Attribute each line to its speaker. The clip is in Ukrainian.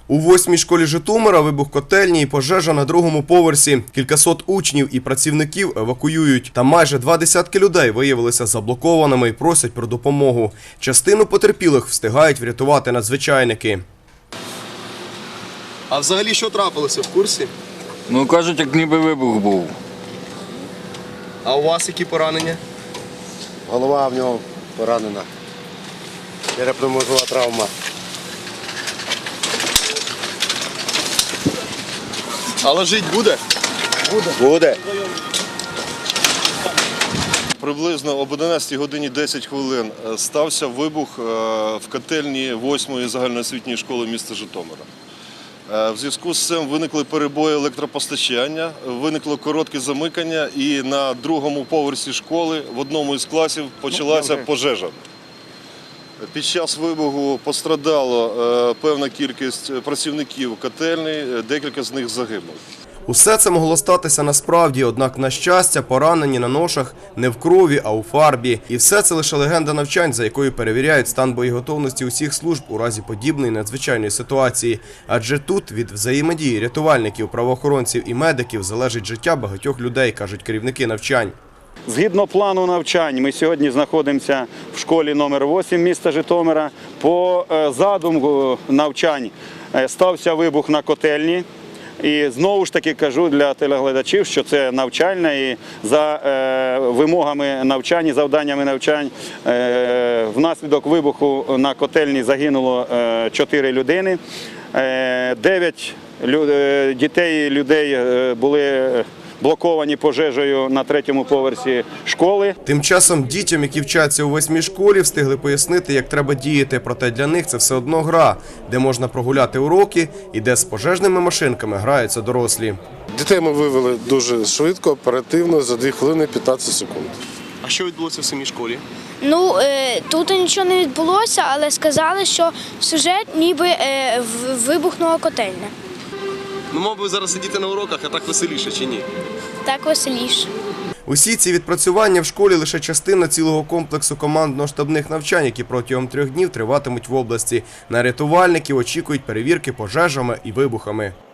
Speaker 1: У 8-й школі Житомира вибух котельні і пожежа на 2-му поверсі. Кількасот учнів і працівників евакуюють. Та майже 20 людей виявилися заблокованими і просять про допомогу. Частину потерпілих встигають врятувати надзвичайники.
Speaker 2: А взагалі що трапилося, в курсі?
Speaker 3: Ну, кажуть, як ніби вибух був.
Speaker 2: А у вас які поранення?
Speaker 4: Голова в нього поранена. Черепно-мозгова травма.
Speaker 2: Але жити буде?
Speaker 4: Буде.
Speaker 5: Приблизно об 11 годині 10 хвилин стався вибух в котельні 8-ї загальноосвітньої школи міста Житомира. В зв'язку з цим виникли перебої електропостачання, виникло коротке замикання і на 2-му поверсі школи в одному із класів почалася пожежа. Під час вибуху пострадало певна кількість працівників котельні, декілька з них загинули.
Speaker 1: Усе це могло статися насправді, однак, на щастя, поранені на ношах не в крові, а у фарбі. І все це лише легенда навчань, за якою перевіряють стан боєготовності усіх служб у разі подібної надзвичайної ситуації. Адже тут від взаємодії рятувальників, правоохоронців і медиків залежить життя багатьох людей, кажуть керівники навчань.
Speaker 6: Згідно плану навчань, ми сьогодні знаходимося в школі номер 8 міста Житомира. По задуму навчань стався вибух на котельні. І знову ж таки кажу для телеглядачів, що це навчальне і за вимогами навчань, завданнями навчань внаслідок вибуху на котельні загинуло 4 людини. 9 дітей і людей були блоковані пожежею на 3-му поверсі школи.
Speaker 1: Тим часом дітям, які вчаться у 8-й школі, встигли пояснити, як треба діяти. Проте для них це все одно гра, де можна прогуляти уроки і де з пожежними машинками граються дорослі.
Speaker 4: Дітей ми вивели дуже швидко, оперативно, за 2 хвилини 15 секунд.
Speaker 2: А що відбулося в самій школі?
Speaker 7: Ну, тут нічого не відбулося, але сказали, що сюжет ніби вибухнула котельня.
Speaker 2: Ну, мав би зараз сидіти на уроках, а так веселіше чи ні?
Speaker 7: Так веселіше.
Speaker 1: Усі ці відпрацювання в школі – лише частина цілого комплексу командно-штабних навчань, які протягом 3 днів триватимуть в області. На рятувальників очікують перевірки пожежами і вибухами.